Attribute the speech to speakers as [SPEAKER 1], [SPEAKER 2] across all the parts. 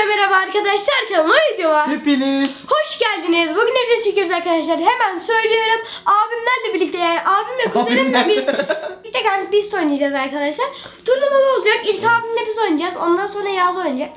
[SPEAKER 1] Hepinize merhaba arkadaşlar, kanalıma videoma
[SPEAKER 2] Hepiniz
[SPEAKER 1] hoş geldiniz. Bugün evde çekiyoruz arkadaşlar. Hemen söylüyorum. Abimlerle birlikte, yani abimle kuzenimle bir tek pist oynayacağız arkadaşlar. Turnuvalı olacak. İlk abimle biz oynayacağız. Ondan sonra Yağız oynayacak.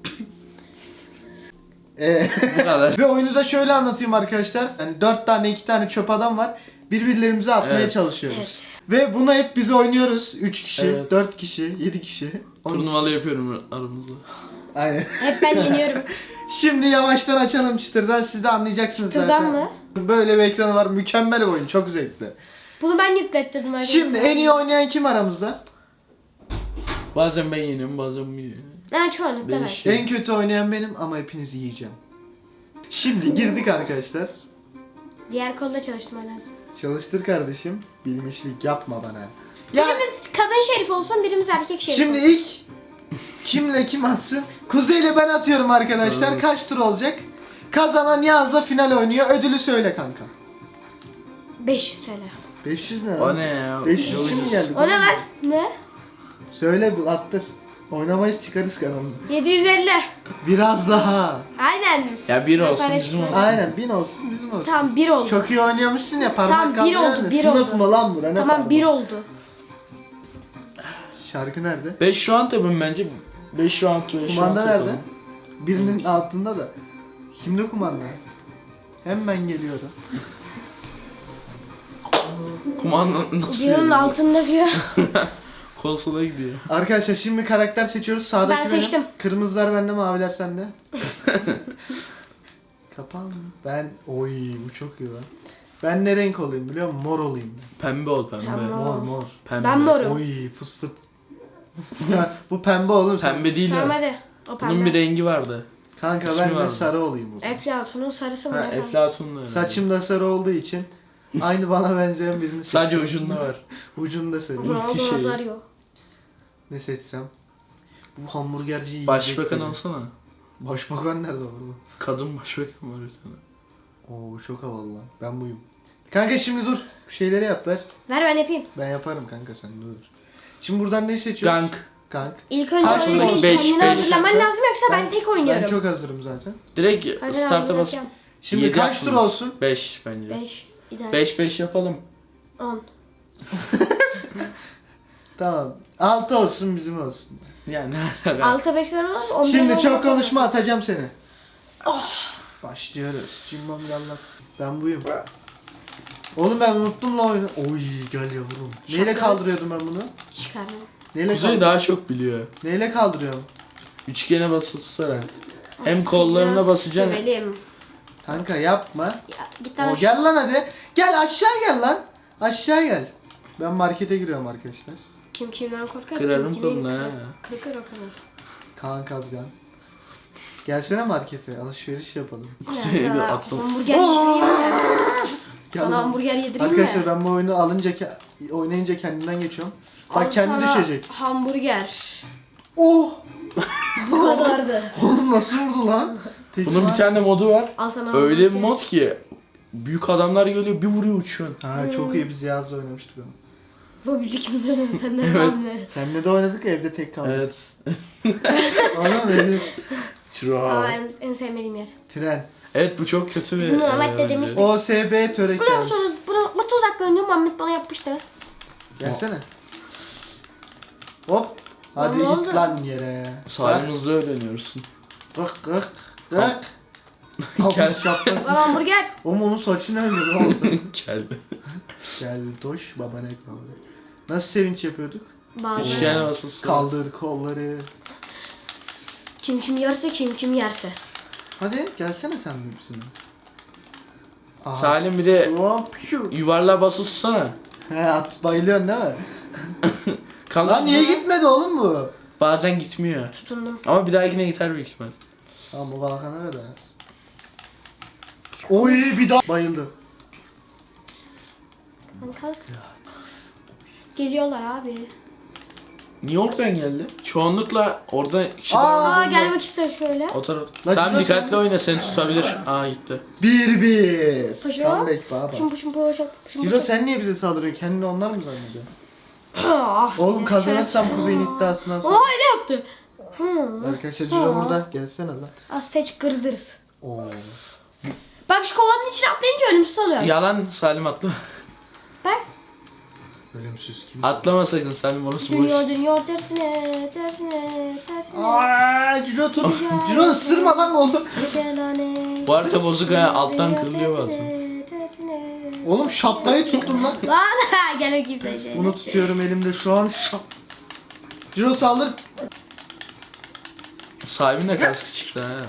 [SPEAKER 3] Bu kadar.
[SPEAKER 2] Ve oyunu da şöyle anlatayım arkadaşlar. Yani 4 tane 2 tane çöp adam var. Birbirlerimize atmaya
[SPEAKER 3] Evet.
[SPEAKER 2] çalışıyoruz.
[SPEAKER 1] Evet.
[SPEAKER 2] Ve bunu hep biz oynuyoruz. 3 kişi,
[SPEAKER 3] Evet.
[SPEAKER 2] 4 kişi, 7 kişi. 10
[SPEAKER 3] Turnuvalı yapıyorum aramızda.
[SPEAKER 2] kişi. Aynen.
[SPEAKER 1] Hep ben yeniyorum.
[SPEAKER 2] Şimdi yavaştan açalım çıtırdan, siz de anlayacaksınız
[SPEAKER 1] Çıtırdan
[SPEAKER 2] zaten.
[SPEAKER 1] mı?
[SPEAKER 2] Böyle bir ekranı var, mükemmel bir oyun, çok zevkli.
[SPEAKER 1] Bunu ben yüklettirdim arkadaşlar.
[SPEAKER 2] Şimdi en iyi oynayan kim aramızda?
[SPEAKER 3] Bazen ben yeniyorum, bazen bu yeniyor.
[SPEAKER 1] Ha, çoğunlukla ben.
[SPEAKER 3] Değişik.
[SPEAKER 2] En kötü oynayan benim ama hepinizi yiyeceğim. Şimdi girdik arkadaşlar.
[SPEAKER 1] Diğer kolda çalıştırman lazım.
[SPEAKER 2] Çalıştır kardeşim. Bilmişlik yapma bana. Ya
[SPEAKER 1] Birimiz kadın şerif olsun, birimiz erkek şerif
[SPEAKER 2] şimdi
[SPEAKER 1] olsun.
[SPEAKER 2] ilk kimle kim atsın? Kuzey'le ben atıyorum arkadaşlar.
[SPEAKER 3] Evet.
[SPEAKER 2] Kaç tur olacak? Kazanan Yağız'la final oynuyor. Ödülü söyle kanka.
[SPEAKER 1] 500 TL.
[SPEAKER 2] 500 ne?
[SPEAKER 3] O ne ya?
[SPEAKER 2] 500
[SPEAKER 3] Yolcuyuz.
[SPEAKER 2] şimdi geldi.
[SPEAKER 1] O ne lan? Ne?
[SPEAKER 2] Söyle bu, attır. Oynamayız, çıkarız kanalını.
[SPEAKER 1] 750.
[SPEAKER 2] Biraz daha.
[SPEAKER 1] Aynen.
[SPEAKER 3] Ya bir olsun
[SPEAKER 1] Para
[SPEAKER 3] bizim olsun.
[SPEAKER 2] Aynen 1000 olsun, bizim olsun.
[SPEAKER 1] Tamam, 1 oldu.
[SPEAKER 2] Çok iyi oynuyormuşsun ya, parmak
[SPEAKER 1] Tamam, bir
[SPEAKER 2] kaldırıyor
[SPEAKER 1] oldu,
[SPEAKER 2] ya.
[SPEAKER 1] bir
[SPEAKER 2] Sınıf
[SPEAKER 1] oldu.
[SPEAKER 2] mı lan bura, ne
[SPEAKER 1] Tamam,
[SPEAKER 2] parmak?
[SPEAKER 1] 1 oldu.
[SPEAKER 2] Şarkı nerede?
[SPEAKER 3] 5 round yapın bence. 5 round 5 round
[SPEAKER 2] Kumanda nerede?
[SPEAKER 3] yapalım.
[SPEAKER 2] Birinin altında da. Kimde kumanda? Hemen geliyorum.
[SPEAKER 3] Kumanda nasıl
[SPEAKER 1] Diyorun
[SPEAKER 3] veriyoruz?
[SPEAKER 1] altında diyor.
[SPEAKER 3] Konsola gidiyor.
[SPEAKER 2] Arkadaşlar şimdi karakter seçiyoruz. Sağdaki
[SPEAKER 1] Ben
[SPEAKER 2] benim.
[SPEAKER 1] seçtim.
[SPEAKER 2] Kırmızılar bende, maviler sende. Kapan. Ben oy bu çok iyi lan. Ben ne renk olayım biliyor musun? Mor olayım.
[SPEAKER 3] Pembe ol pembe.
[SPEAKER 1] Tamam.
[SPEAKER 2] Mor mor.
[SPEAKER 3] Pembe.
[SPEAKER 1] Ben morum.
[SPEAKER 2] Oy fıs fıs. Bu pembe olur.
[SPEAKER 3] Pembe değil
[SPEAKER 1] Tamam
[SPEAKER 3] ya.
[SPEAKER 1] hadi. O
[SPEAKER 3] Bunun bir
[SPEAKER 1] pembe.
[SPEAKER 3] rengi vardı.
[SPEAKER 2] Kanka
[SPEAKER 3] İsmi
[SPEAKER 2] ben de
[SPEAKER 3] vardı.
[SPEAKER 2] sarı olayım o zaman.
[SPEAKER 1] Eflatun'un sarısı mı?
[SPEAKER 3] Ha,
[SPEAKER 1] ne kanka?
[SPEAKER 3] Eflatun da öyle.
[SPEAKER 2] Saçım da sarı olduğu için aynı bana benzeyen birini
[SPEAKER 3] Sadece
[SPEAKER 2] seçiyorum.
[SPEAKER 3] ucunda var.
[SPEAKER 2] Ucunu da söyleyeyim.
[SPEAKER 1] Ronaldo
[SPEAKER 3] şeyi.
[SPEAKER 1] Nazario.
[SPEAKER 2] Ne seçsem? Bu hamburgerci yiyecek.
[SPEAKER 3] Başbakan
[SPEAKER 2] beni.
[SPEAKER 3] olsana.
[SPEAKER 2] Başbakan nerede var bu?
[SPEAKER 3] Kadın başbakan var bir tane.
[SPEAKER 2] Oo bu çok havalı lan. Ben buyum. Kanka şimdi dur. Bu şeyleri yap ver.
[SPEAKER 1] Ver ben yapayım.
[SPEAKER 2] Ben yaparım kanka, sen dur. Şimdi buradan ne seçiyoruz?
[SPEAKER 3] Gank.
[SPEAKER 2] Kank.
[SPEAKER 1] İlk önce
[SPEAKER 2] Kaç
[SPEAKER 1] oyunu
[SPEAKER 2] oldu?
[SPEAKER 3] Beş,
[SPEAKER 1] kendini
[SPEAKER 3] beş.
[SPEAKER 1] hazırlaman lazım, yoksa ben tek oynuyorum.
[SPEAKER 2] Ben çok hazırım zaten.
[SPEAKER 3] Direkt
[SPEAKER 1] Hadi
[SPEAKER 3] start'a
[SPEAKER 1] abi,
[SPEAKER 3] bas.
[SPEAKER 1] yapacağım.
[SPEAKER 2] Şimdi
[SPEAKER 3] Yedi
[SPEAKER 2] kaç tur
[SPEAKER 3] yaptınız.
[SPEAKER 2] olsun?
[SPEAKER 3] 5 bence.
[SPEAKER 1] 5. İdeal.
[SPEAKER 3] 5 yapalım.
[SPEAKER 1] 10.
[SPEAKER 2] Tamam. 6 olsun, bizim olsun.
[SPEAKER 3] Yani
[SPEAKER 1] 6'a 5 ver olmaz. 11'e
[SPEAKER 2] Şimdi
[SPEAKER 1] 10
[SPEAKER 2] çok konuşma,
[SPEAKER 1] olmaz.
[SPEAKER 2] atacağım seni.
[SPEAKER 1] Oh.
[SPEAKER 2] Başlıyoruz. Cimbom yallah. Ben buyum. Oğlum ben unuttum la oyunu. Oy gel yavrum. Neyle
[SPEAKER 1] Şaka.
[SPEAKER 2] kaldırıyordum ben bunu?
[SPEAKER 1] Çıkardım.
[SPEAKER 2] Neyle,
[SPEAKER 3] Kuzey daha çok biliyor.
[SPEAKER 2] Neyle kaldırıyorum?
[SPEAKER 3] Üçgene basılı tutarak. Hem kollarına
[SPEAKER 1] Biraz
[SPEAKER 3] basacaksın.
[SPEAKER 1] sövelim.
[SPEAKER 2] Kanka yapma.
[SPEAKER 1] Ya, git lan
[SPEAKER 2] O
[SPEAKER 1] aşağı.
[SPEAKER 2] gel lan hadi. Gel aşağı gel lan. Aşağı gel. Ben markete giriyorum arkadaşlar.
[SPEAKER 1] Kim kimden korkar?
[SPEAKER 3] Kırarım
[SPEAKER 1] kim kimin
[SPEAKER 3] kolunu ha.
[SPEAKER 1] kırık kırık kırır.
[SPEAKER 2] Kaan Kazgan. Gelsene markete, alışveriş yapalım.
[SPEAKER 3] Kuzey'e
[SPEAKER 1] Ya,
[SPEAKER 3] bir
[SPEAKER 1] sana
[SPEAKER 3] atlam.
[SPEAKER 1] hamburger yedireyim mi?
[SPEAKER 2] Gel
[SPEAKER 1] Sana
[SPEAKER 2] lan.
[SPEAKER 1] hamburger yedireyim
[SPEAKER 2] Arkadaşlar
[SPEAKER 1] mi?
[SPEAKER 2] ben bu oyunu oynayınca kendimden geçiyorum.
[SPEAKER 1] Al
[SPEAKER 2] Bak kendi
[SPEAKER 1] sana
[SPEAKER 2] düşecek.
[SPEAKER 1] Hamburger.
[SPEAKER 2] Oh!
[SPEAKER 1] Bu kadardı.
[SPEAKER 2] Oğlum nasıl vurdu lan?
[SPEAKER 3] Bunun bir tane modu var.
[SPEAKER 1] Al sana
[SPEAKER 3] Öyle bir
[SPEAKER 1] hamburger.
[SPEAKER 3] mod ki büyük adamlar geliyor bir vuruyor uçuyorsun.
[SPEAKER 2] Ha çok iyi, biz Yaz'la oynamıştık onu.
[SPEAKER 1] Bu biz ikimiz öyle senden
[SPEAKER 3] Evet.
[SPEAKER 1] hamburger.
[SPEAKER 2] Seninle de oynadık ya, evde tek kaldık.
[SPEAKER 3] Evet.
[SPEAKER 2] Oğlum benim
[SPEAKER 1] Aa,
[SPEAKER 3] True.
[SPEAKER 1] en sevmediğim yer.
[SPEAKER 2] tren.
[SPEAKER 3] Evet bu çok kötü bir
[SPEAKER 1] Bizim Muhammed
[SPEAKER 3] bence.
[SPEAKER 1] dedemiş-
[SPEAKER 2] OSB
[SPEAKER 1] Biliyor
[SPEAKER 2] töreken.
[SPEAKER 1] musunuz? Bunu 30 dakika önce Muhammed bana yapmıştı.
[SPEAKER 2] Gelsene. Hop. Hadi
[SPEAKER 1] Ne
[SPEAKER 2] git
[SPEAKER 1] oldu?
[SPEAKER 2] lan yere.
[SPEAKER 3] Salim hızlı öğreniyorsun.
[SPEAKER 2] Gık gık gık. Kafası çaplasın.
[SPEAKER 1] Bana hamburger.
[SPEAKER 2] Oğlum onun saçını öldü, ne oldu?
[SPEAKER 3] Geldi.
[SPEAKER 2] Gel toş baba ne kaldı. Nasıl sevinç yapıyorduk?
[SPEAKER 1] Bazı.
[SPEAKER 3] Üçgene basılı tutarak.
[SPEAKER 2] Kaldır kolları.
[SPEAKER 1] Kim kim yerse kim kim yerse.
[SPEAKER 2] Hadi gelsene sen bizimle. Aha.
[SPEAKER 3] Salim bir de
[SPEAKER 2] Hop, şu.
[SPEAKER 3] yuvarlığa basılı tutsana.
[SPEAKER 2] He at, bayılıyorsun değil mi?
[SPEAKER 3] Kalır
[SPEAKER 2] Lan niye
[SPEAKER 3] sonra.
[SPEAKER 2] gitmedi oğlum bu?
[SPEAKER 3] Bazen gitmiyor.
[SPEAKER 1] Tutundum.
[SPEAKER 3] Ama bir dahakine gider büyük ihtimal.
[SPEAKER 2] Tamam bu kalkana kadar. Oy bir daha bayıldı.
[SPEAKER 1] Hadi kalk. Geliyorlar abi.
[SPEAKER 3] Niye oradan geldi? Çoğunlukla orada kişi
[SPEAKER 2] Aa!
[SPEAKER 3] daha
[SPEAKER 1] Aa gel bakayım sen şöyle.
[SPEAKER 3] o taraf.
[SPEAKER 2] Lan
[SPEAKER 3] Sen
[SPEAKER 2] şurası-
[SPEAKER 3] dikkatli oyna seni tutabilir. Aa gitti.
[SPEAKER 2] 1-1.
[SPEAKER 1] Paşa.
[SPEAKER 2] Comeback baba.
[SPEAKER 1] Puşum puşum puşum puşum
[SPEAKER 2] Ciro
[SPEAKER 1] puşum.
[SPEAKER 2] sen niye bize saldırıyorsun? Kendini onlar mı zannediyorsun?
[SPEAKER 1] Ah,
[SPEAKER 2] Oğlum kazanırsam Kuzey'in iddiasından sonra.
[SPEAKER 1] Aa öyle yaptı.
[SPEAKER 2] Arkadaşlar Ciro burada. Gelsene lan.
[SPEAKER 1] Azteç kırdırız.
[SPEAKER 2] Oo.
[SPEAKER 1] Bak şu kovanın içine atlayınca ölümsüz oluyor.
[SPEAKER 3] Yalan Salim atla.
[SPEAKER 1] Bak.
[SPEAKER 2] Ölümsüz kim?
[SPEAKER 3] Atlama sakın Salim, orası boş.
[SPEAKER 1] Dönüyor tersine, tersine, tersine.
[SPEAKER 2] Aaa Ciro tut. Ciro ısırma lan oldu.
[SPEAKER 3] Bu harita bozuk ha, alttan kırılıyor bazen.
[SPEAKER 1] Tersine.
[SPEAKER 2] Oğlum şapkayı tuttum lan.
[SPEAKER 1] Lan gel bakayım sen şey.
[SPEAKER 2] Bunu tutuyorum elimde şu an. Ciro saldır.
[SPEAKER 3] Sahibin de kaskı çıktı ha.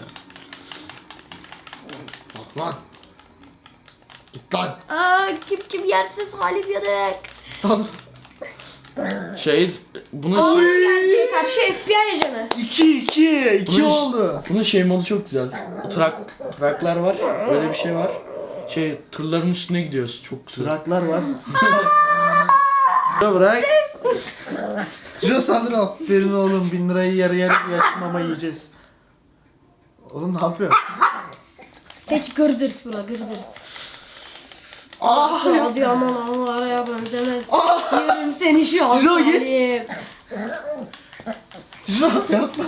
[SPEAKER 2] Bak lan. Git lan.
[SPEAKER 1] Kim yersiz Halim yanık.
[SPEAKER 2] Saldır.
[SPEAKER 3] Bunu
[SPEAKER 1] Gerçeğe karşı FBI ajanı.
[SPEAKER 2] 2
[SPEAKER 3] Bunun-
[SPEAKER 2] oldu.
[SPEAKER 3] bunun modu çok güzel. Traklar var, böyle bir şey var. Tırların üstüne gidiyoruz, çok güzel.
[SPEAKER 2] Traklar var.
[SPEAKER 3] Bırak.
[SPEAKER 2] Ciro saldır, aferin oğlum. 1000 lirayı yarı yarı yaşmama yiyeceğiz. Oğlum ne yapıyorsun?
[SPEAKER 1] Seç gırdırs bura gırdırs.
[SPEAKER 2] Ah!
[SPEAKER 1] Hadi aman araya benzemez. Yerim seni şu an.
[SPEAKER 2] Ciro, git.
[SPEAKER 1] Salim.
[SPEAKER 2] Ciro yapma.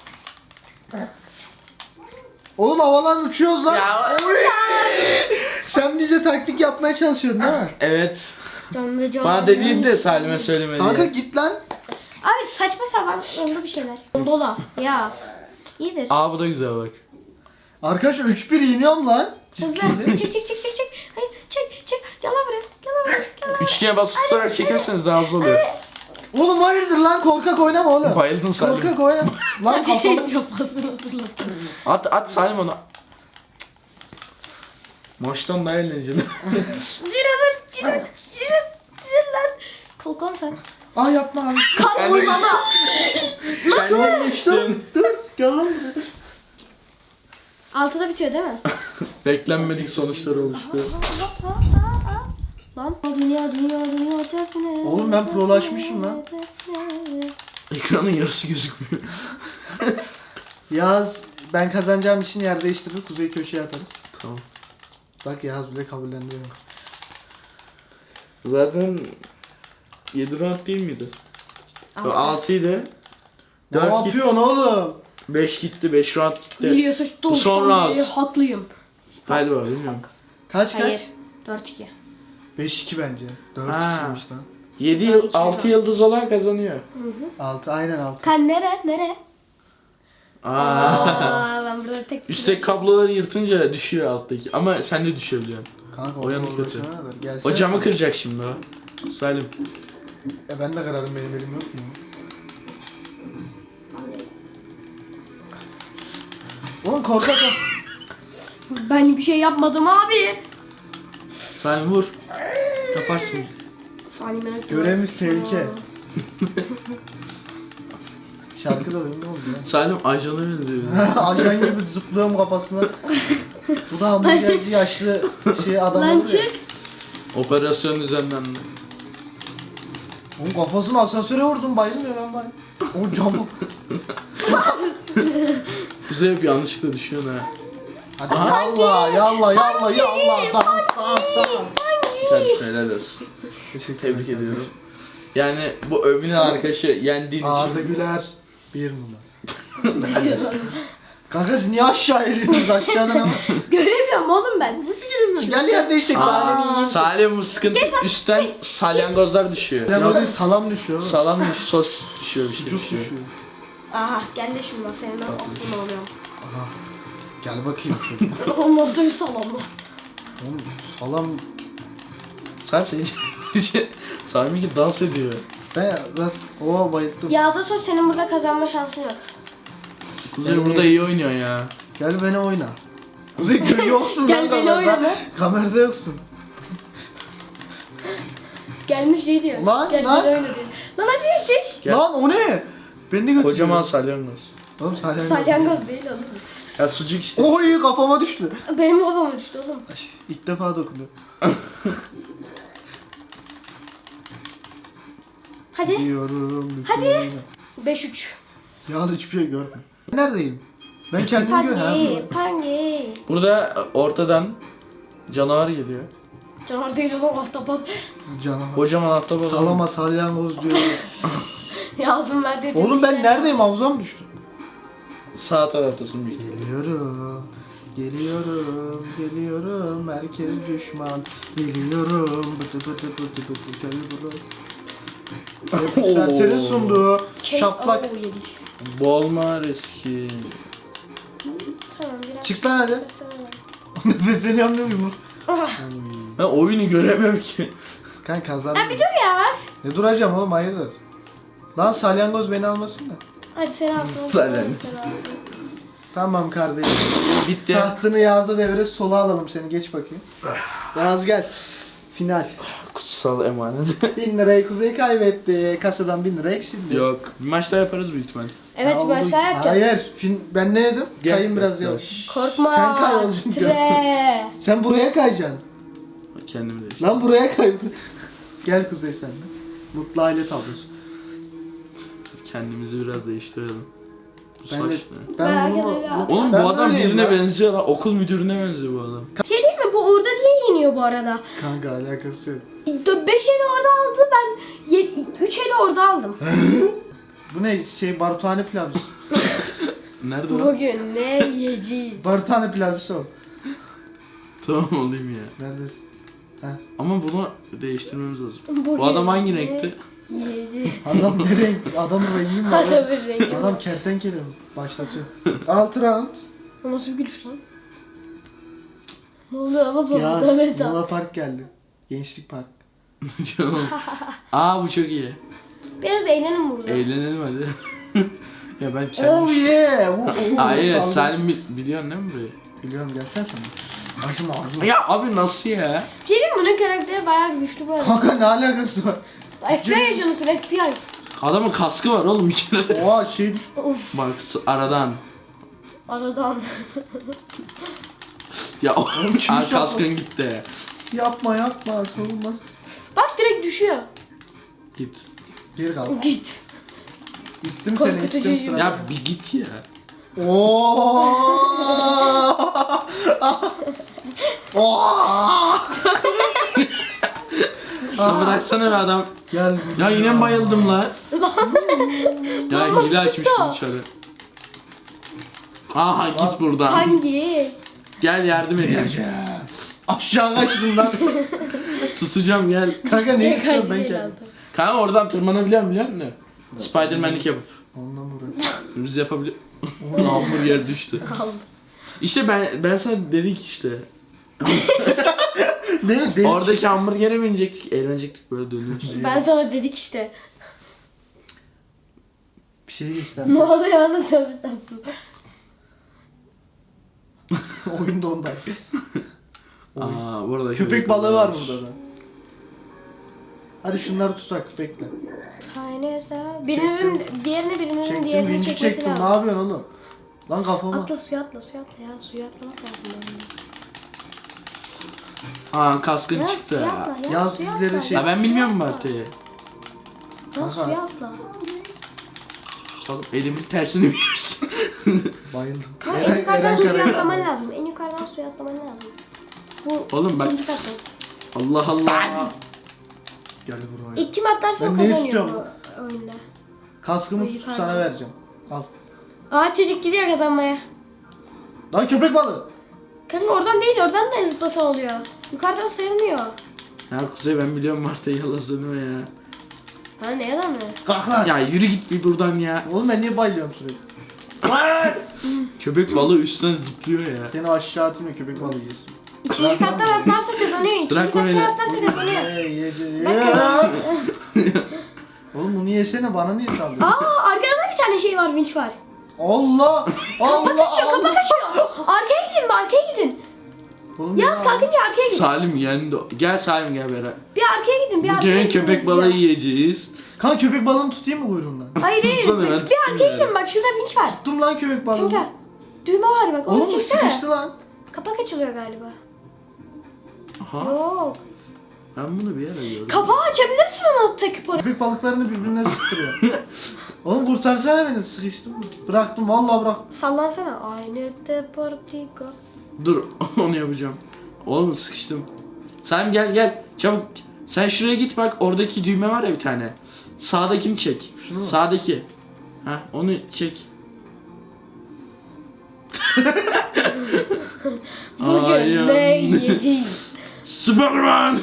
[SPEAKER 2] Oğlum havadan uçuyoruz lan.
[SPEAKER 3] Ya.
[SPEAKER 2] Oy! Sen bize taktik yapmaya çalışıyorsun değil mi?
[SPEAKER 3] Evet.
[SPEAKER 1] Canlı canlı.
[SPEAKER 3] Bana dediğin de Salim'e söyleme
[SPEAKER 2] Kanka
[SPEAKER 3] diye.
[SPEAKER 2] git lan.
[SPEAKER 1] Abi saçma sapan oldu bir şeyler. Dola. Ya. İyidir.
[SPEAKER 3] Aa bu da güzel bak.
[SPEAKER 2] Arkadaşlar 3-1 yeniyorum lan.
[SPEAKER 1] Hızlı. Çek. Hayır çek. Gel lan buraya.
[SPEAKER 3] Üçgene basıp tutarak çekerseniz daha hızlı oluyor.
[SPEAKER 2] Oğlum hayırdır lan, korkak oynama oğlum.
[SPEAKER 3] Bayıldın Salim.
[SPEAKER 2] Korkak oynama. Lan kafamı.
[SPEAKER 1] Ateşim kafasına fırlattım.
[SPEAKER 3] At Salim onu. Maçtan daha eğlenceli.
[SPEAKER 1] Ciro lan. Kalkan sen.
[SPEAKER 2] Aa yapma abi.
[SPEAKER 1] Kan vurmama.
[SPEAKER 3] Kendin geçtin.
[SPEAKER 2] Dur gel lan buraya.
[SPEAKER 1] Altıda bitiyor değil mi?
[SPEAKER 3] Beklenmedik sonuçlar oluştu.
[SPEAKER 1] Lan dünya tersine.
[SPEAKER 2] Oğlum ben prolaşmışım lan.
[SPEAKER 1] Tersine.
[SPEAKER 3] Ekranın yarısı gözükmüyor.
[SPEAKER 2] Yaz ben kazanacağım için yer değiştirir, Kuzey köşeye atarız.
[SPEAKER 3] Tamam.
[SPEAKER 2] Bak Yaz bile kabullendi.
[SPEAKER 3] Zaten 7 round değil miydi?
[SPEAKER 1] Altı.
[SPEAKER 3] 6 idi.
[SPEAKER 2] Ne
[SPEAKER 3] 4 gitti.
[SPEAKER 2] yapıyorsun oğlum?
[SPEAKER 3] 5 gitti. 5 round gitti.
[SPEAKER 1] Biliyorsun
[SPEAKER 3] Bu son
[SPEAKER 1] doğuştan beri
[SPEAKER 3] round.
[SPEAKER 1] haklıyım.
[SPEAKER 3] Galiba bilmiyorum.
[SPEAKER 2] Kaç
[SPEAKER 1] Hayır.
[SPEAKER 2] kaç?
[SPEAKER 1] 4-2.
[SPEAKER 2] 5-2 bence. 4-2'ymiş
[SPEAKER 3] Ha.
[SPEAKER 2] lan.
[SPEAKER 3] 7 6 yıldız olan kazanıyor.
[SPEAKER 2] 6 aynen 6.
[SPEAKER 1] Kan nere?
[SPEAKER 3] Aa.
[SPEAKER 1] Ben burada tek...
[SPEAKER 3] Üstteki kabloları yırtınca düşüyor alttaki. Ama sen de düşebiliyorsun.
[SPEAKER 2] Kanka
[SPEAKER 3] O yanı
[SPEAKER 2] orada
[SPEAKER 3] kötü.
[SPEAKER 2] uğraşana kadar. Gelsene.
[SPEAKER 3] O camı kıracak şimdi o. Salim.
[SPEAKER 2] Ben de kararım, benim elim yok mu? Oğlum korkak ol.
[SPEAKER 1] Ben bir şey yapmadım abi.
[SPEAKER 3] Salim vur. Yaparsın.
[SPEAKER 1] Salim'e
[SPEAKER 2] Görevimiz tehlike. Şarkı da ünlü oldu ya.
[SPEAKER 3] Salim ajana benziyor.
[SPEAKER 2] Ajan gibi zıplıyorum kafasına. Bu da hamburgerci yaşlı adam
[SPEAKER 1] Lan
[SPEAKER 2] olur ya.
[SPEAKER 1] çık.
[SPEAKER 3] Operasyon düzenlendi.
[SPEAKER 2] Onun kafasını asansöre vurdum, bayılmıyor ben bay. O camı.
[SPEAKER 3] Kuzey hep yanlışlıkla düşüyorsun ha.
[SPEAKER 2] Hadi yallah. Dans.
[SPEAKER 3] Kardeşim helal olsun. Tebrik ediyorum. Yani bu övünen arkadaşı yendiğin
[SPEAKER 2] Arda
[SPEAKER 3] için.
[SPEAKER 2] Güler 1 numara. Kanka siz niye aşağı iniyorsunuz, aşağıdan ama?
[SPEAKER 1] Göremiyorum oğlum ben. Nasıl göremiyorum?
[SPEAKER 2] Gel yer değişik bari bir yiyeyim.
[SPEAKER 3] Salim bu sıkıntı üstten salyangozlar düşüyor.
[SPEAKER 2] Ben
[SPEAKER 3] Yok,
[SPEAKER 2] o salam düşüyor.
[SPEAKER 3] salam düş, sos düşüyor bir şey
[SPEAKER 2] Sucuk
[SPEAKER 3] düşüyor.
[SPEAKER 2] düşüyor.
[SPEAKER 1] Aha gel de şimdi bak senin nasıl aklın oluyor.
[SPEAKER 2] Aha. Gel bakayım şöyle.
[SPEAKER 1] O nasıl bir salam bu?
[SPEAKER 2] Oğlum salam.
[SPEAKER 3] Salim seni Salim ki dans ediyor.
[SPEAKER 2] Ben biraz bayıldım.
[SPEAKER 1] Yağda sos senin burada kazanma şansın yok.
[SPEAKER 3] Kuzey burada iyi oynuyor ya.
[SPEAKER 2] Gel beni oyna. Kuzey yoksun
[SPEAKER 1] Gel
[SPEAKER 2] lan
[SPEAKER 1] beni
[SPEAKER 2] kamerada.
[SPEAKER 1] oyna lan.
[SPEAKER 2] Kamerada yoksun.
[SPEAKER 1] Gelmiş şey diyor.
[SPEAKER 2] Lan,
[SPEAKER 1] Gel
[SPEAKER 2] lan.
[SPEAKER 1] beni oyna diyor. Lan hadi yetiş.
[SPEAKER 3] Gel.
[SPEAKER 2] Lan o ne? Beni de götürüyor.
[SPEAKER 3] Kocaman salyangoz.
[SPEAKER 2] Oğlum salyangoz.
[SPEAKER 1] Salyangoz değil oğlum.
[SPEAKER 3] Ya sucuk işte.
[SPEAKER 2] Oy kafama düştü.
[SPEAKER 1] Benim kafama düştü oğlum.
[SPEAKER 2] Ay, İlk defa dokundu.
[SPEAKER 1] Hadi.
[SPEAKER 2] Diyorum.
[SPEAKER 1] Hadi. 5-3.
[SPEAKER 2] Yalnız hiçbir şey görmüyorum. Neredeyim? Ben kendimi görüyorum.
[SPEAKER 1] Pangi.
[SPEAKER 3] Burada ortadan canavar geliyor.
[SPEAKER 1] Canavar değil oğlum ahtapot.
[SPEAKER 2] Canavar.
[SPEAKER 3] Kocaman ahtapot.
[SPEAKER 2] Salama salyangoz diyor.
[SPEAKER 1] Yazım ben dedim.
[SPEAKER 2] Oğlum ben neredeyim? Havuza mı düştüm?
[SPEAKER 3] Sağ taraftasın büyük.
[SPEAKER 2] Geliyorum. Geliyorum. Herkes düşman. Geliyorum. Bıtı gel buraya. Serçenin sunduğu şaplak.
[SPEAKER 1] Oo, yedik.
[SPEAKER 3] Bolma riski.
[SPEAKER 1] Tamam biraz.
[SPEAKER 2] Çık lan hadi. Nefesleniyorum değil mi?
[SPEAKER 1] Ah.
[SPEAKER 3] Ben oyunu göremiyorum ki.
[SPEAKER 2] Kanka kazandım.
[SPEAKER 1] Ya bir dur ya.
[SPEAKER 2] Ne duracağım oğlum hayırdır? Lan salyangoz beni almasın da.
[SPEAKER 1] Hadi sen alsın.
[SPEAKER 3] Salyangoz.
[SPEAKER 2] Tamam kardeşim.
[SPEAKER 3] Bitti.
[SPEAKER 2] Tahtını Yağız'a devre sola alalım seni geç bakayım. Yağız gel. Final.
[SPEAKER 3] Kutsal emanet.
[SPEAKER 2] 1000 lirayı Kuzey kaybetti. Kasadan 1000 lira eksildi.
[SPEAKER 3] Yok. Bir maç daha yaparız büyük ihtimal.
[SPEAKER 1] Evet
[SPEAKER 2] Ya
[SPEAKER 1] başlar
[SPEAKER 2] oğlum,
[SPEAKER 1] yapacağız.
[SPEAKER 2] hayır. Ben ne dedim?
[SPEAKER 3] Gel.
[SPEAKER 2] Kayın biraz yavaş.
[SPEAKER 1] Korkma.
[SPEAKER 2] Sen kay oğlum.
[SPEAKER 1] Titre.
[SPEAKER 2] Sen buraya kayacaksın.
[SPEAKER 3] Kendimi değiştir.
[SPEAKER 2] Lan buraya kay. Gel Kuzey sen de. Mutlu aile tablosu.
[SPEAKER 3] Kendimizi biraz değiştirelim. Bu
[SPEAKER 2] Ben de,
[SPEAKER 3] saç ne?
[SPEAKER 2] ben
[SPEAKER 1] Merak
[SPEAKER 2] bunu,
[SPEAKER 1] ederim.
[SPEAKER 3] Oğlum
[SPEAKER 2] ben
[SPEAKER 3] bu adam
[SPEAKER 2] böyleyim
[SPEAKER 3] birine
[SPEAKER 2] ya.
[SPEAKER 3] benziyor lan. Okul müdürüne benziyor bu adam.
[SPEAKER 1] Bir şey değil mi? Bu orada diye iniyor bu arada.
[SPEAKER 2] Kanka alakası yok.
[SPEAKER 1] 5 eli orada aldı, ben 3 eli orada aldım.
[SPEAKER 2] Bu ne baruthane pilavcısı.
[SPEAKER 3] Nerede o?
[SPEAKER 1] Bugün ne yiyeceğiz?
[SPEAKER 2] Baruthane pilavcısı o.
[SPEAKER 3] Tamam olayım ya.
[SPEAKER 2] Neredesin?
[SPEAKER 3] Ama bunu değiştirmemiz lazım.
[SPEAKER 1] Bugün
[SPEAKER 3] Bu adam hangi
[SPEAKER 1] ne
[SPEAKER 3] renkti?
[SPEAKER 1] Yiyeceğiz.
[SPEAKER 2] Adam ne renk? Adamın rengi mi var?
[SPEAKER 1] Adamın rengi.
[SPEAKER 2] Adam kertenkele mi? Başlatıyor. 6 round.
[SPEAKER 1] O nasıl bir gülüş lan? Ne oluyor baba?
[SPEAKER 2] Yaz.
[SPEAKER 1] Evet.
[SPEAKER 2] Luna Park geldi. Gençlik Park.
[SPEAKER 3] Canım. Aa bu çok iyi.
[SPEAKER 1] Biraz eğlenin burada.
[SPEAKER 3] Eğlenelim hadi. Ya ben
[SPEAKER 2] Oh
[SPEAKER 3] kendim...
[SPEAKER 2] yeah.
[SPEAKER 3] Hayır
[SPEAKER 2] Kaldım.
[SPEAKER 3] Salim biliyorsun değil mi burayı?
[SPEAKER 2] Biliyorum gelsene sen. Acıma.
[SPEAKER 3] Ya abi nasıl ya?
[SPEAKER 1] Bir şey diyeyim mi? Bunun karakteri bayağı bir güçlü bu arada.
[SPEAKER 2] Kanka ne alakası var?
[SPEAKER 1] FBI ajanısın FBI.
[SPEAKER 3] Adamın kaskı var oğlum bir kere.
[SPEAKER 2] Oha düş.
[SPEAKER 3] Bak aradan.
[SPEAKER 1] Aradan.
[SPEAKER 3] Ya
[SPEAKER 2] çüş
[SPEAKER 3] Aa,
[SPEAKER 2] yapma.
[SPEAKER 3] kaskın gitti.
[SPEAKER 2] Yapma savunmaz.
[SPEAKER 1] Bak direkt düşüyor.
[SPEAKER 3] Git.
[SPEAKER 2] Geri kal.
[SPEAKER 1] Git.
[SPEAKER 2] İttim
[SPEAKER 1] Korkutucu
[SPEAKER 2] seni ittim
[SPEAKER 1] yüzü.
[SPEAKER 2] sıra.
[SPEAKER 3] Ya bir git ya.
[SPEAKER 2] Oo.
[SPEAKER 3] Ya bıraksana be adam.
[SPEAKER 2] Gel.
[SPEAKER 3] Ya yine mi bayıldım lan? Ya
[SPEAKER 1] Ama
[SPEAKER 3] hile açmış
[SPEAKER 1] sıktı.
[SPEAKER 3] bu dışarı. Aha git buradan.
[SPEAKER 1] Hangi?
[SPEAKER 3] Gel yardım edeyim.
[SPEAKER 2] Aşağı kaçtım lan.
[SPEAKER 3] Tutacağım gel.
[SPEAKER 2] Kanka ne
[SPEAKER 1] Tek
[SPEAKER 2] yapıyorsun ben
[SPEAKER 1] hangi
[SPEAKER 2] kendim?
[SPEAKER 1] aldı?
[SPEAKER 3] Kanka oradan tırmanabiliyor musun? Spiderman'lik yapıp.
[SPEAKER 2] Ondan vuruyor.
[SPEAKER 3] Biz yapabiliyor. Hamburger düştü. İşte ben sana dedik işte.
[SPEAKER 2] Ne?
[SPEAKER 3] Oradaki hamburgere binecektik, eğlenecektik böyle dönüyoruz.
[SPEAKER 1] Ben sana dedik işte.
[SPEAKER 2] Bir şey geçti.
[SPEAKER 1] Ne oluyor oğlum tabii tabii.
[SPEAKER 2] Oyun da ondan.
[SPEAKER 3] Aa, bu arada
[SPEAKER 2] Köpek balığı var burada da. Hadi şunları tutak bekle.
[SPEAKER 1] Birinin diğerini birinin
[SPEAKER 2] Çektim
[SPEAKER 1] diğerini
[SPEAKER 2] vinci
[SPEAKER 1] çekmesi
[SPEAKER 2] çektim ne
[SPEAKER 1] lazım.
[SPEAKER 2] yapıyorsun oğlum? Lan kafama.
[SPEAKER 1] Atla suya atla ya. Suya atlamak lazım.
[SPEAKER 3] Aa kaskın
[SPEAKER 1] Ya
[SPEAKER 3] çıktı
[SPEAKER 1] suya
[SPEAKER 3] ya.
[SPEAKER 1] atla ya.
[SPEAKER 2] Yaz
[SPEAKER 1] suya
[SPEAKER 2] dizleri
[SPEAKER 1] atla.
[SPEAKER 2] şey-
[SPEAKER 3] Ya ben bilmiyorum bu
[SPEAKER 1] Suya
[SPEAKER 3] haritayı.
[SPEAKER 1] atla. Ya
[SPEAKER 2] Kanka.
[SPEAKER 1] suya atla.
[SPEAKER 3] Oğlum elimin tersini biliyorsun.
[SPEAKER 2] Bayıldım.
[SPEAKER 1] Kanka en yukarıdan
[SPEAKER 2] Eren
[SPEAKER 1] suya
[SPEAKER 2] Karayel.
[SPEAKER 1] atlaman lazım. En yukarıdan suya atlaman lazım. Bu
[SPEAKER 3] Oğlum bak.
[SPEAKER 1] ikinci katta.
[SPEAKER 3] Allah Allah.
[SPEAKER 2] Gel buraya.
[SPEAKER 1] İlk kim atlarsa o
[SPEAKER 2] Ben neyi
[SPEAKER 1] kazanıyor
[SPEAKER 2] tutuyorum?
[SPEAKER 1] bu oyunda.
[SPEAKER 2] Kaskımı
[SPEAKER 1] Ay,
[SPEAKER 2] tutup
[SPEAKER 1] pardon.
[SPEAKER 2] sana vereceğim. Al.
[SPEAKER 1] Aa çocuk gidiyor kazanmaya.
[SPEAKER 2] Lan köpek balığı.
[SPEAKER 1] Kanka oradan değil, oradan da zıplasan oluyor. Yukarıdan sayılmıyor.
[SPEAKER 3] Ya Kuzey ben biliyorum bu haritayı yalan söyleme ya.
[SPEAKER 1] Ha ne yalan mı?
[SPEAKER 2] Kalk lan.
[SPEAKER 3] Ya yürü git bir buradan ya.
[SPEAKER 2] Oğlum ben niye bayılıyorum sürekli?
[SPEAKER 3] Köpek balığı üstten zıplıyor ya.
[SPEAKER 2] Seni aşağı atayım ya köpek balığı yesin.
[SPEAKER 1] İkinci kattan atlarsa kazanıyor. İkinci
[SPEAKER 3] Bırak
[SPEAKER 1] kattan
[SPEAKER 3] beni.
[SPEAKER 1] atlarsa kazanıyor.
[SPEAKER 2] Ye. Oğlum bunu yesene bana niye saldırıyorsun?
[SPEAKER 1] Aa arkada bir tane şey var, vinç var.
[SPEAKER 2] Allah! Allah!
[SPEAKER 1] Kaçıyor,
[SPEAKER 2] Allah!
[SPEAKER 1] kafa kaçıyor. Arkaya gidin, arkaya gidin.
[SPEAKER 2] Oğlum
[SPEAKER 1] Yaz
[SPEAKER 2] ya.
[SPEAKER 1] kalkınca arkaya gidin.
[SPEAKER 3] Salim yendi. Gel Salim gel beraber.
[SPEAKER 1] Bir arkaya gidin, bir arkaya
[SPEAKER 3] Bugün
[SPEAKER 1] gidin.
[SPEAKER 3] köpek
[SPEAKER 1] hızlıca.
[SPEAKER 3] balığı yiyeceğiz.
[SPEAKER 2] Kanka köpek balığını tutayım mı kuyruğundan?
[SPEAKER 1] Hayır hayır,
[SPEAKER 3] Tutsana, ben
[SPEAKER 1] bir
[SPEAKER 3] tuttum
[SPEAKER 1] arkaya
[SPEAKER 3] yani.
[SPEAKER 1] gidin bak, şurada vinç var.
[SPEAKER 2] Tuttum lan köpek balığını.
[SPEAKER 1] Kanka, düğme var bak, onu
[SPEAKER 2] Oğlum bu
[SPEAKER 1] çeksene.
[SPEAKER 2] sıkıştı lan.
[SPEAKER 1] Kapak açılıyor galiba.
[SPEAKER 3] Aha.
[SPEAKER 1] Yok.
[SPEAKER 3] Ben bunu bir yere gördüm.
[SPEAKER 1] Kapağı açabilirsin onu takıp oraya.
[SPEAKER 2] Köpek balıklarını birbirine sıktırıyor. Oğlum kurtarsana beni sıkıştım. Bıraktım vallahi bıraktım.
[SPEAKER 1] Sallansana. Aynı deportico.
[SPEAKER 3] Dur onu yapacağım. Oğlum sıkıştım. Sen gel çabuk. Sen şuraya git bak oradaki düğme var ya bir tane. Sağdakini çek.
[SPEAKER 2] Şunu mu?
[SPEAKER 3] Sağdaki. Ha onu çek.
[SPEAKER 1] Bugün ne yiyeceğiz?
[SPEAKER 3] Superman.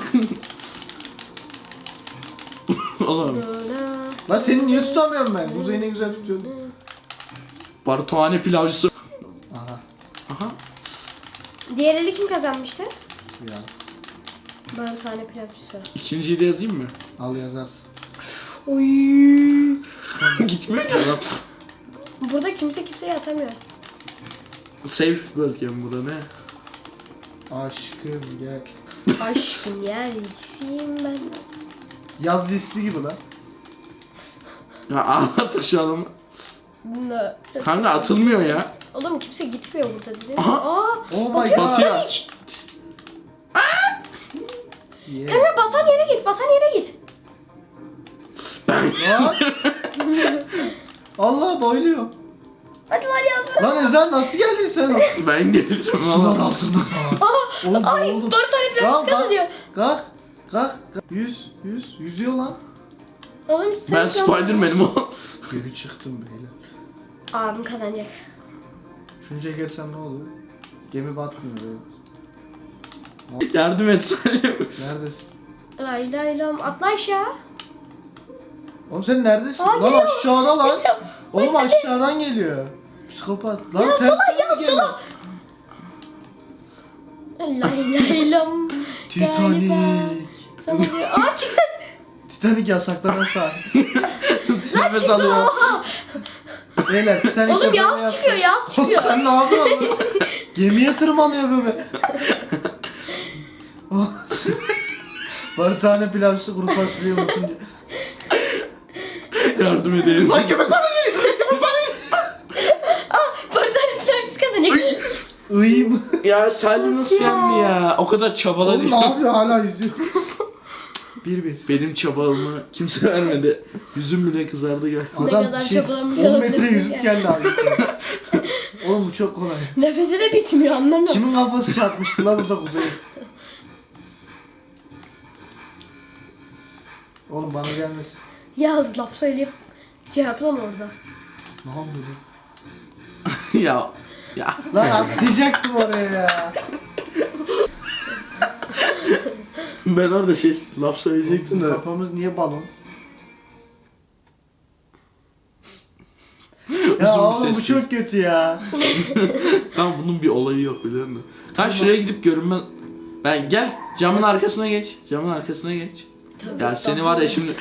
[SPEAKER 3] Oğlum.
[SPEAKER 2] Lan seni niye tutamıyorum ben? Kuzey ne güzel tutuyordu.
[SPEAKER 3] Barutane pilavcısı.
[SPEAKER 2] Aha.
[SPEAKER 3] Aha.
[SPEAKER 1] Diğer eli kim kazanmıştı?
[SPEAKER 2] Yaz.
[SPEAKER 1] Barutane pilavcısı.
[SPEAKER 3] İkinciyi de yazayım mı?
[SPEAKER 2] Al yazarsın.
[SPEAKER 1] Oy.
[SPEAKER 3] Gitmiyor ki adam.
[SPEAKER 1] Burada kimse kimseye atamıyor.
[SPEAKER 3] Safe bölgem burada ne?
[SPEAKER 2] Aşkım gel.
[SPEAKER 1] Aşkım yerisiyim ben.
[SPEAKER 2] Yaz dizisi gibi lan.
[SPEAKER 3] Ya anlattık şu adamı.
[SPEAKER 1] Bunda.
[SPEAKER 3] Kanka atılmıyor ya.
[SPEAKER 1] Oğlum kimse gitmiyor burada dedi.
[SPEAKER 3] Aha.
[SPEAKER 1] Aa.
[SPEAKER 2] Oh my
[SPEAKER 1] Batıyor
[SPEAKER 2] god.
[SPEAKER 3] Batıyor.
[SPEAKER 1] Batan hiç.
[SPEAKER 2] Yeah.
[SPEAKER 1] Kanka batan yere git. Batan yere git.
[SPEAKER 2] Lan. Allah bayılıyor.
[SPEAKER 1] Hadi lan yazma.
[SPEAKER 2] Lan Ezel nasıl geldin sen?
[SPEAKER 3] Ben gelirim
[SPEAKER 2] Sular
[SPEAKER 3] valla.
[SPEAKER 2] altında sana. Oğlum
[SPEAKER 1] Ay
[SPEAKER 2] ne oldu?
[SPEAKER 1] barutane pilavcısı
[SPEAKER 2] Lan,
[SPEAKER 1] kazanıyor.
[SPEAKER 2] Kalk. Kalk. Yüzüyor lan.
[SPEAKER 1] Oğlum
[SPEAKER 3] Ben
[SPEAKER 1] sen
[SPEAKER 3] Spiderman'im o.
[SPEAKER 2] Geri çıktım beyler.
[SPEAKER 1] Abim kazanacak.
[SPEAKER 2] Şunu çekersem ne oluyor? Gemi batmıyor böyle.
[SPEAKER 3] Yardım et Salim.
[SPEAKER 2] Neredesin?
[SPEAKER 1] Lay lay lam. Atla aşağı.
[SPEAKER 2] Oğlum sen neredesin?
[SPEAKER 1] Aa,
[SPEAKER 2] Lan
[SPEAKER 1] geliyor.
[SPEAKER 2] aşağıda lan.
[SPEAKER 1] Geliyor.
[SPEAKER 2] Oğlum aşağıdan geliyor. Psikopat. Lan
[SPEAKER 1] Ya
[SPEAKER 2] ters
[SPEAKER 1] sola, ya
[SPEAKER 2] geliyor.
[SPEAKER 1] sola. Lay lay lam.
[SPEAKER 2] Titanic.
[SPEAKER 1] Sana diyor. Aa çıktın.
[SPEAKER 2] Titanic yasaklanan sahne.
[SPEAKER 3] Nefes alıyor.
[SPEAKER 2] Beyler Titanic
[SPEAKER 1] Oğlum yaz çıkıyor yaz
[SPEAKER 2] Oğlum
[SPEAKER 1] çıkıyor.
[SPEAKER 2] sen ne yapıyorsun lan? Gemiye tırmanıyor böyle. Barutane pilavcısı kuru fasulyeyi unutunca.
[SPEAKER 3] Yardım edeyim.
[SPEAKER 2] Lan köpek bana geliyor.
[SPEAKER 1] Barutane pilavcısı kazanacak.
[SPEAKER 2] Iyiyim.
[SPEAKER 3] Ya Salim nasıl yendi ya? O kadar çabaladı.
[SPEAKER 2] Oğlum ne yapıyor hala yüzüyor. 1-1.
[SPEAKER 3] Benim çabalımı kimse vermedi. Yüzüm bile kızardı gel.
[SPEAKER 1] Ne
[SPEAKER 2] Adam
[SPEAKER 1] kadar
[SPEAKER 2] şey,
[SPEAKER 1] çabalamış
[SPEAKER 2] 10 metre
[SPEAKER 1] olabilir
[SPEAKER 2] yüzüp
[SPEAKER 1] ya.
[SPEAKER 2] geldi abi. Oğlum bu çok kolay.
[SPEAKER 1] Nefesi de bitmiyor anlamıyorum.
[SPEAKER 2] Kimin kafası çarpmıştı la burada Kuzey? Oğlum bana gelmesin.
[SPEAKER 1] Yaz laf söyleyip cevaplama orada.
[SPEAKER 2] Ne oldu?
[SPEAKER 3] ya. Ya.
[SPEAKER 2] Lan atlayacaktım oraya ya.
[SPEAKER 3] Ben orada laf söyleyecektim
[SPEAKER 2] Bizim
[SPEAKER 3] de.
[SPEAKER 2] kafamız niye balon? Ya
[SPEAKER 3] Uzun
[SPEAKER 2] oğlum bu
[SPEAKER 3] sesli.
[SPEAKER 2] çok kötü ya.
[SPEAKER 3] Tamam bunun bir olayı yok biliyor musun? Kanka şuraya gidip görünme. Ben gel camın arkasına geç. Camın arkasına geç.
[SPEAKER 1] Tövbe
[SPEAKER 3] Ya seni var ya şimdi.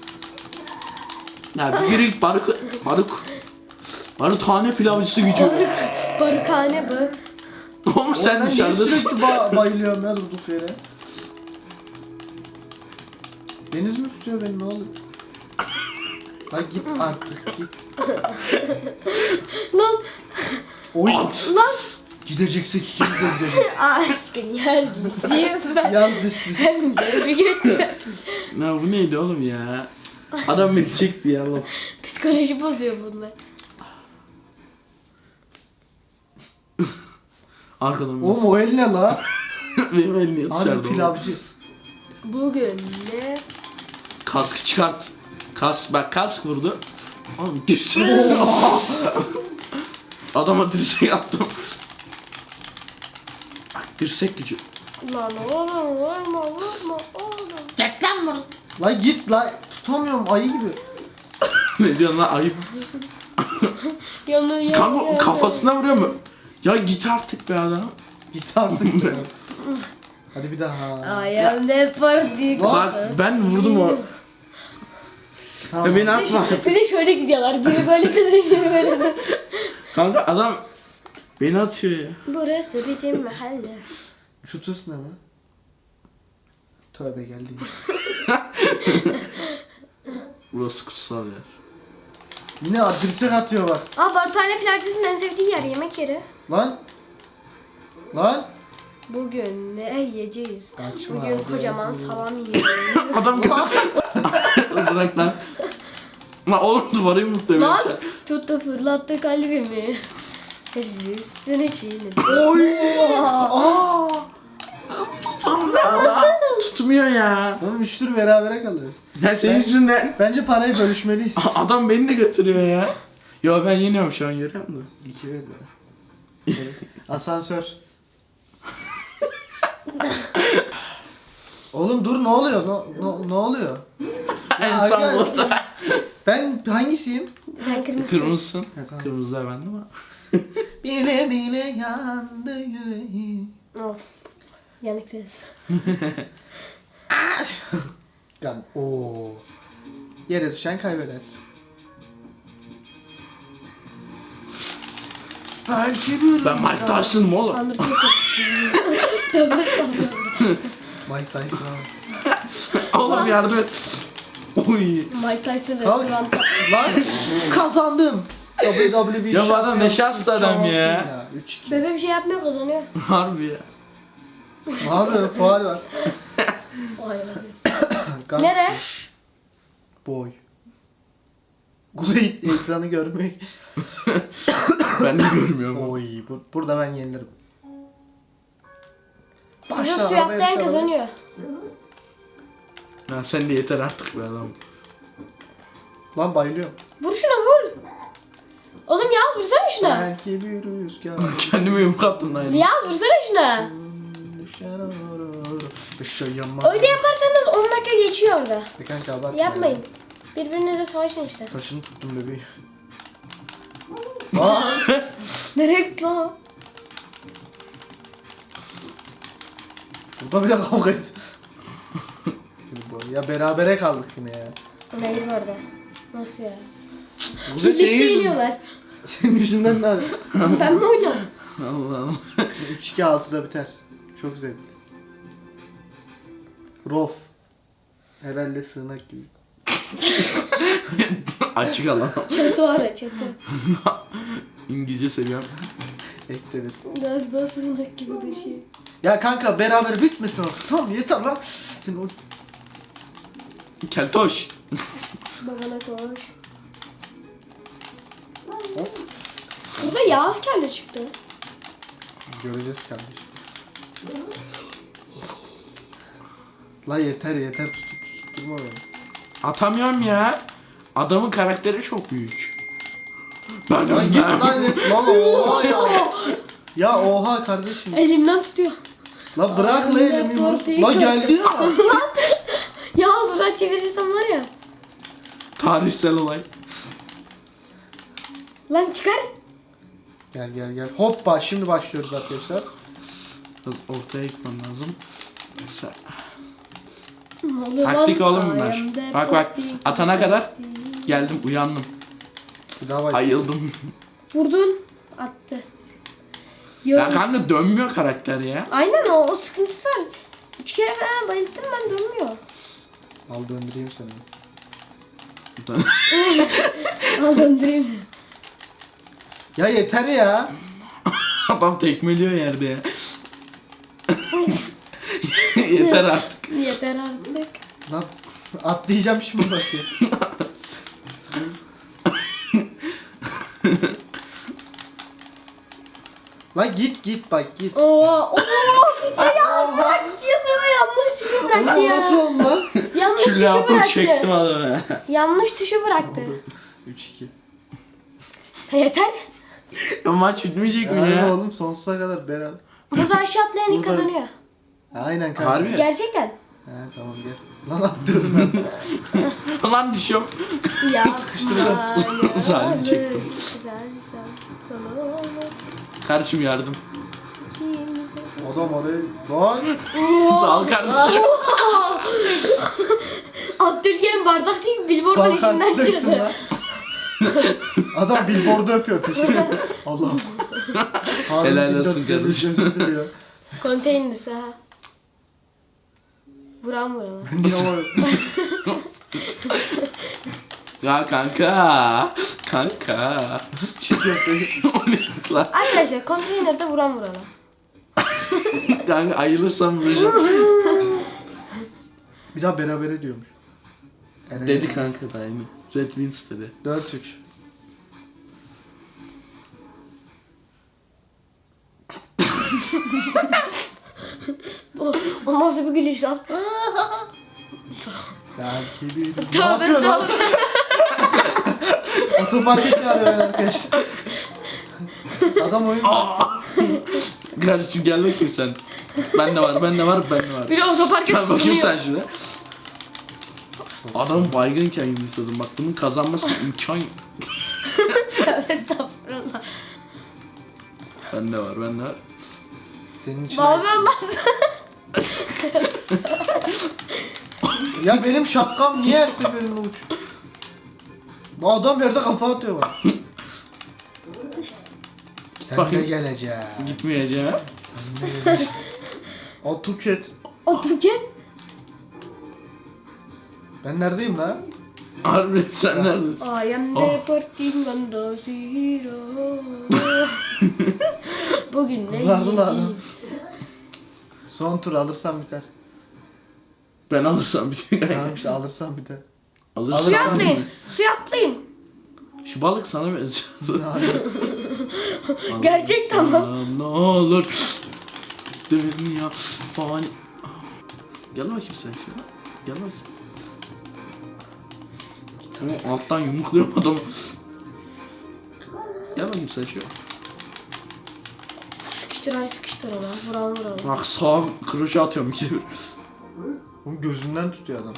[SPEAKER 3] Ya bir yürü baruk. Barutane pilavcısı gücü.
[SPEAKER 1] Barukane bu.
[SPEAKER 3] Oğlum sen
[SPEAKER 2] Ben niye
[SPEAKER 3] dışarıdasın.
[SPEAKER 2] sürekli bayılıyorum ya durduk yere. Deniz mi tutuyor beni ne oluyor? Lan git artık git.
[SPEAKER 1] Lan
[SPEAKER 2] Oy.
[SPEAKER 3] At.
[SPEAKER 1] lan.
[SPEAKER 2] Gideceksek ikimiz de gideceğiz.
[SPEAKER 1] Aşkın yeryüzü ben.
[SPEAKER 2] Yaz dizisi.
[SPEAKER 1] Hem de bir gün.
[SPEAKER 3] Ya bu neydi oğlum ya? Adam beni çekti ya Allah.
[SPEAKER 1] Psikoloji bozuyor bunlar.
[SPEAKER 3] Arkadan
[SPEAKER 2] Oğlum o el ne la?
[SPEAKER 3] benim elini
[SPEAKER 2] Harbi
[SPEAKER 3] dışarıda.
[SPEAKER 2] pilavcı.
[SPEAKER 1] Bugün ne?
[SPEAKER 3] Kaskı çıkart. Bak kask vurdu. Oğlum dirsek. Adama dirsek attım. Bak dirsek gücü.
[SPEAKER 1] Lan oğlum vurma oğlum.
[SPEAKER 2] Git lan bunu. La git la. Tutamıyorum ayı gibi.
[SPEAKER 3] Ne diyorsun lan ayıp.
[SPEAKER 1] Yanıyor.
[SPEAKER 3] Kanka kafasına vuruyor mu? Ya git artık be adam.
[SPEAKER 2] Git artık be. Hadi bir daha.
[SPEAKER 1] I am the party.
[SPEAKER 3] Bak ben vurdum o.
[SPEAKER 2] Tamam.
[SPEAKER 3] Ya beni atma.
[SPEAKER 1] Bir de şöyle gidiyorlar. Biri böyle de biri böyle de.
[SPEAKER 3] Kanka adam beni atıyor ya.
[SPEAKER 1] Burası bizim mahalle.
[SPEAKER 2] Şu tıs ne lan? Tövbe geldi.
[SPEAKER 3] Burası kutsal ya.
[SPEAKER 2] Yine dirsek atıyor bak.
[SPEAKER 1] Aa Barutane pilavcısının en sevdiği yer yemek yeri.
[SPEAKER 2] Lan. Lan.
[SPEAKER 1] Bugün ne yiyeceğiz?
[SPEAKER 2] Kaçma
[SPEAKER 1] Bugün
[SPEAKER 2] abi.
[SPEAKER 1] kocaman salam yiyeceğiz.
[SPEAKER 3] Adam bırak lan. Lan oğlum duvarı yumrukluyor.
[SPEAKER 1] Lan tuttu fırlattı kalbimi. Üstüne çiğnedim.
[SPEAKER 2] Oy. Aa.
[SPEAKER 3] Tutmuyor ya.
[SPEAKER 2] Oğlum 3 tur berabere kalıyoruz.
[SPEAKER 3] Ya senin yüzünden.
[SPEAKER 2] Bence parayı bölüşmeliyiz.
[SPEAKER 3] Adam beni de götürüyor ya. Ya ben yeniyorum şu an görüyor musun?
[SPEAKER 2] 2 ver be. Asansör. Oğlum dur ne oluyor? Ne oluyor?
[SPEAKER 3] En
[SPEAKER 2] Ya,
[SPEAKER 3] son
[SPEAKER 2] aga,
[SPEAKER 3] burada.
[SPEAKER 2] Ben hangisiyim?
[SPEAKER 1] Sen kırmızısın.
[SPEAKER 3] Kırmızısın.
[SPEAKER 2] Ha, tamam.
[SPEAKER 3] Kırmızılar bende ama.
[SPEAKER 2] Bile bile yandı yüreğim.
[SPEAKER 1] Of. Yanık ses.
[SPEAKER 2] Lan ooo. Yere düşen kaybeder. Belki bir...
[SPEAKER 3] Ben Mike Tyson'ım oğlum.
[SPEAKER 1] Undertaker.
[SPEAKER 2] Mike Tyson abi.
[SPEAKER 3] Oğlum yardım et. Oy.
[SPEAKER 1] Mike Tyson
[SPEAKER 2] Kalk.
[SPEAKER 1] restoranda.
[SPEAKER 2] Lan kazandım. WWE
[SPEAKER 3] Ya bu adam ne
[SPEAKER 2] şampiyonu.
[SPEAKER 3] şanslı adam
[SPEAKER 2] Olsun
[SPEAKER 3] ya.
[SPEAKER 2] 3-2.
[SPEAKER 1] Bebe bir şey yapmıyor kazanıyor.
[SPEAKER 3] Harbi ya.
[SPEAKER 2] Ne yapıyorsun? Faal var.
[SPEAKER 1] Vay be.
[SPEAKER 2] Kan-
[SPEAKER 1] Nere?
[SPEAKER 2] Boy. Kuzey ekranı görmek.
[SPEAKER 3] Ben de görmüyorum.
[SPEAKER 2] Oy burada ben yenilirim.
[SPEAKER 1] Burada
[SPEAKER 2] Başla,
[SPEAKER 1] suya
[SPEAKER 2] arabaya
[SPEAKER 1] atlayan
[SPEAKER 2] bir şey
[SPEAKER 1] kazanıyor.
[SPEAKER 3] Ya sen de yeter artık be adam.
[SPEAKER 2] Lan bayılıyorum.
[SPEAKER 1] Vur şuna vur. Oğlum Yağız vursana şuna.
[SPEAKER 2] Belki bir rüzgar.
[SPEAKER 3] Kendimi yumruklattım lan.
[SPEAKER 1] Yağız vursana şuna.
[SPEAKER 2] Düşer ağır. Yaşayamam.
[SPEAKER 1] Öyle yaparsanız 10 dakika geçiyor orada.
[SPEAKER 2] Kanka abartma.
[SPEAKER 1] Yapmayın. Birbirinize savaşın işte.
[SPEAKER 2] Saçını tuttum bebeği. Aa!
[SPEAKER 1] Nereye gitti lan o?
[SPEAKER 2] Burada bile kavga et. Ya berabere kaldık yine ya.
[SPEAKER 1] Neydi bu arada? Nasıl ya?
[SPEAKER 3] Kuzey senin
[SPEAKER 1] Birlikte
[SPEAKER 3] yüzünden.
[SPEAKER 1] iniyorlar.
[SPEAKER 2] Senin yüzünden ne abi?
[SPEAKER 1] Ben mi oynuyorum?
[SPEAKER 3] Allah Allah.
[SPEAKER 2] 3-2-6'da biter. Çok zevkli. Rof. Herhalde sığınak gibi.
[SPEAKER 3] Açık alan.
[SPEAKER 1] Çatı var ya çatı.
[SPEAKER 3] İngilizce seviyorum.
[SPEAKER 2] Ekte bir.
[SPEAKER 1] Galiba sığınak gibi bir şey.
[SPEAKER 2] Ya kanka beraber bitmesin artık. Tamam yeter lan. Sen o...
[SPEAKER 3] Keltoş.
[SPEAKER 1] Babana koş.
[SPEAKER 2] Hop.
[SPEAKER 1] Burada Yağız kelle çıktı.
[SPEAKER 2] Göreceğiz kardeşim. La yeter tutturma beni.
[SPEAKER 3] Atamıyorum ya. Adamın karakteri çok büyük. Ben
[SPEAKER 2] Lan git
[SPEAKER 3] önden.
[SPEAKER 2] lan lan oha ya. Ya oha kardeşim.
[SPEAKER 1] Elimden tutuyor.
[SPEAKER 2] La bırak la elimi yumruk. La geldi ya.
[SPEAKER 1] Yağız oradan çevirirsem var ya.
[SPEAKER 3] Tarihsel olay.
[SPEAKER 1] Lan çıkar.
[SPEAKER 2] Gel. Hoppa şimdi başlıyoruz arkadaşlar.
[SPEAKER 3] Biraz ortaya gitmem lazım. Sen...
[SPEAKER 1] Ne oluyor lan?
[SPEAKER 3] Taktik oğlum
[SPEAKER 1] I
[SPEAKER 3] bunlar.
[SPEAKER 1] am the
[SPEAKER 3] Bak
[SPEAKER 1] party.
[SPEAKER 3] atana kadar geldim uyandım.
[SPEAKER 2] Bir daha bak.
[SPEAKER 3] Ayıldım.
[SPEAKER 1] Vurdun. Attı.
[SPEAKER 3] Ya
[SPEAKER 1] Yok.
[SPEAKER 3] kanka dönmüyor karakter ya.
[SPEAKER 1] Aynen o sıkıntısı var. 3 kere falan bayılttım ben dönmüyor.
[SPEAKER 2] Al döndüreyim seni.
[SPEAKER 1] Al döndüreyim.
[SPEAKER 2] Ya yeter ya.
[SPEAKER 3] Adam tekmeliyor yerde ya. Yeter artık.
[SPEAKER 1] Yeter artık.
[SPEAKER 2] Lan atlayacağım şimdi bak ya. Lan git bak git.
[SPEAKER 1] Oo. Ya bırak ya sana yanlış tuşu bıraktı
[SPEAKER 2] Oğlum nasıl
[SPEAKER 1] ya.
[SPEAKER 2] oldu lan?
[SPEAKER 1] Yanlış
[SPEAKER 3] Şu
[SPEAKER 1] tuşu
[SPEAKER 3] laptopu çektim
[SPEAKER 1] bıraktı.
[SPEAKER 3] adamı.
[SPEAKER 1] Yanlış tuşu bıraktı.
[SPEAKER 2] 3-2.
[SPEAKER 1] Yeter.
[SPEAKER 3] Ya maç bitmeyecek mi
[SPEAKER 2] Aynen
[SPEAKER 3] ya?
[SPEAKER 2] oğlum sonsuza kadar beraber.
[SPEAKER 1] Burada aşağı atlayan ilk
[SPEAKER 2] Burada-
[SPEAKER 1] kazanıyor.
[SPEAKER 2] Aynen kanka.
[SPEAKER 3] Harbi.
[SPEAKER 1] Gerçekten.
[SPEAKER 2] He tamam gel. Lan atlıyorum ben.
[SPEAKER 3] Lan düşüyorum.
[SPEAKER 1] Ya.
[SPEAKER 3] Zalim çektim. Kardeşim yardım.
[SPEAKER 2] Adam oraya. Lan.
[SPEAKER 3] Sağ ol kardeşim.
[SPEAKER 1] Abdülkerim bardak değil billboardun
[SPEAKER 2] Kalkan
[SPEAKER 1] içinden
[SPEAKER 2] çektim
[SPEAKER 1] çıktı.
[SPEAKER 2] lan. Adam billboardu öpüyor. Teşekkür ederim. Allah. Harun
[SPEAKER 3] Helal olsun
[SPEAKER 2] 1400
[SPEAKER 3] kardeşim.
[SPEAKER 2] özür diliyor.
[SPEAKER 1] Konteynerisi ha. Vuran.
[SPEAKER 2] Niye o?
[SPEAKER 3] Ya kanka. Kanka.
[SPEAKER 2] Çıkıyor.
[SPEAKER 3] O ne lan?
[SPEAKER 1] Arkadaşlar konteynerde vuran.
[SPEAKER 3] Kanka ayılırsam vuracağım.
[SPEAKER 2] Bir daha berabere diyormuş. Eren
[SPEAKER 3] Dedi kanka da aynı. Red Wings dedi.
[SPEAKER 2] 4-3.
[SPEAKER 1] O nasıl bir gülüş lan?
[SPEAKER 2] Belki bir... Ne
[SPEAKER 1] Tövbe
[SPEAKER 2] yapıyor lan?
[SPEAKER 1] tövbe.
[SPEAKER 2] Otoparka çağırıyor arkadaşlar. Adam oyun...
[SPEAKER 3] Kardeşim gel bakayım sen. Bende var.
[SPEAKER 1] Bir de otoparka
[SPEAKER 3] Gel bakayım
[SPEAKER 1] tutunuyor.
[SPEAKER 3] sen şuna. Adam baygınken yumuşadım. Bak bunun kazanması imkan yok.
[SPEAKER 1] Estağfurullah.
[SPEAKER 3] Bende var.
[SPEAKER 2] Senin için.
[SPEAKER 1] Abi Allah.
[SPEAKER 2] Ya benim şapkam niye her seferinde uçuyor? Bu adam yerde kafa atıyor bak. Sen
[SPEAKER 3] Bakayım.
[SPEAKER 2] de geleceksin.
[SPEAKER 3] Gitmeyeceğim.
[SPEAKER 2] Sen de geleceksin. O Tuket.
[SPEAKER 1] Otoket.
[SPEAKER 2] Ben neredeyim lan?
[SPEAKER 3] Harbi sen neredesin?
[SPEAKER 1] I am
[SPEAKER 3] Oh.
[SPEAKER 1] deporting on the zero. Bugün ne
[SPEAKER 2] Kızardı lan adam.
[SPEAKER 1] yiyeceğiz?
[SPEAKER 2] Son tur alırsam biter.
[SPEAKER 3] Ben alırsam bir şey.
[SPEAKER 2] Tamam işte alırsam biter.
[SPEAKER 3] Alırsam.
[SPEAKER 1] Suya
[SPEAKER 2] Alırsam
[SPEAKER 1] atlayın. Suya atlayın.
[SPEAKER 3] Şu balık sana benziyor.
[SPEAKER 2] Hayır.
[SPEAKER 1] Gerçekten mi?
[SPEAKER 3] Alırsam ne olur. Dünya fani. Gel bakayım sen şuna. Gel bakayım. O alttan yumrukluyorum adamı. Gel bakayım sen şu.
[SPEAKER 1] Sıkıştır ona. Vuran.
[SPEAKER 3] Bak sağa kroşe atıyorum iki bir.
[SPEAKER 2] Oğlum gözünden tutuyor adam.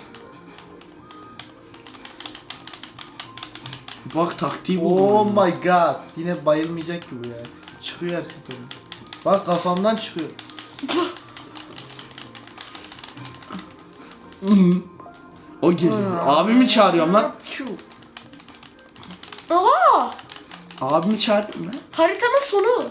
[SPEAKER 3] Bak taktiği buldum.
[SPEAKER 2] Oh my god. Yine bayılmayacak ki bu ya. Çıkıyor her seferinde. Bak kafamdan çıkıyor.
[SPEAKER 3] O geliyor. Abimi çağırıyorum lan.
[SPEAKER 1] Aa!
[SPEAKER 3] Abimi çağırıyorum lan.
[SPEAKER 1] Haritanın sonu.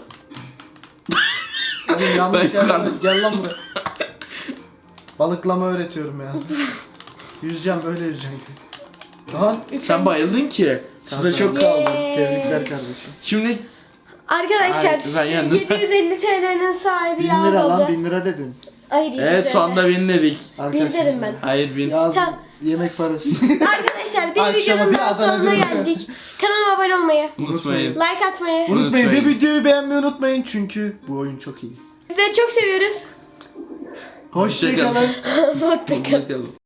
[SPEAKER 2] Hadi yanlış
[SPEAKER 3] Ben
[SPEAKER 2] yerden
[SPEAKER 3] yukarıda-
[SPEAKER 2] gel lan buraya. Balıklama öğretiyorum ya. Yüzeceğim böyle yüzeceğim. Lan.
[SPEAKER 3] Sen bayıldın ki. Suda çok kaldın.
[SPEAKER 2] Tebrikler kardeşim.
[SPEAKER 3] Şimdi
[SPEAKER 1] Arkadaşlar
[SPEAKER 3] Ay, ben yendim.
[SPEAKER 1] 750 TL'nin sahibi
[SPEAKER 2] 1000
[SPEAKER 1] Yağız
[SPEAKER 2] lira lan
[SPEAKER 1] oldu.
[SPEAKER 2] 1000 lira dedin.
[SPEAKER 1] Hayır 750.
[SPEAKER 3] evet sonunda bin dedik.
[SPEAKER 1] dedim ben.
[SPEAKER 3] Hayır bin.
[SPEAKER 2] Yaz
[SPEAKER 1] Tamam.
[SPEAKER 2] yemek parası.
[SPEAKER 1] Arkadaşlar bir
[SPEAKER 2] Akşama
[SPEAKER 1] videonun
[SPEAKER 2] bir
[SPEAKER 1] daha
[SPEAKER 2] Adana
[SPEAKER 1] sonuna
[SPEAKER 2] dürüm.
[SPEAKER 1] geldik. Kanalıma abone olmayı,
[SPEAKER 3] Unutmayın.
[SPEAKER 1] like atmayı.
[SPEAKER 2] Unutmayın
[SPEAKER 3] Unutmayın.
[SPEAKER 2] ve videoyu beğenmeyi unutmayın çünkü bu oyun çok iyi.
[SPEAKER 1] Sizleri çok seviyoruz.
[SPEAKER 2] Hoşçakalın.
[SPEAKER 1] Mutlu kalın.
[SPEAKER 3] Bakalım.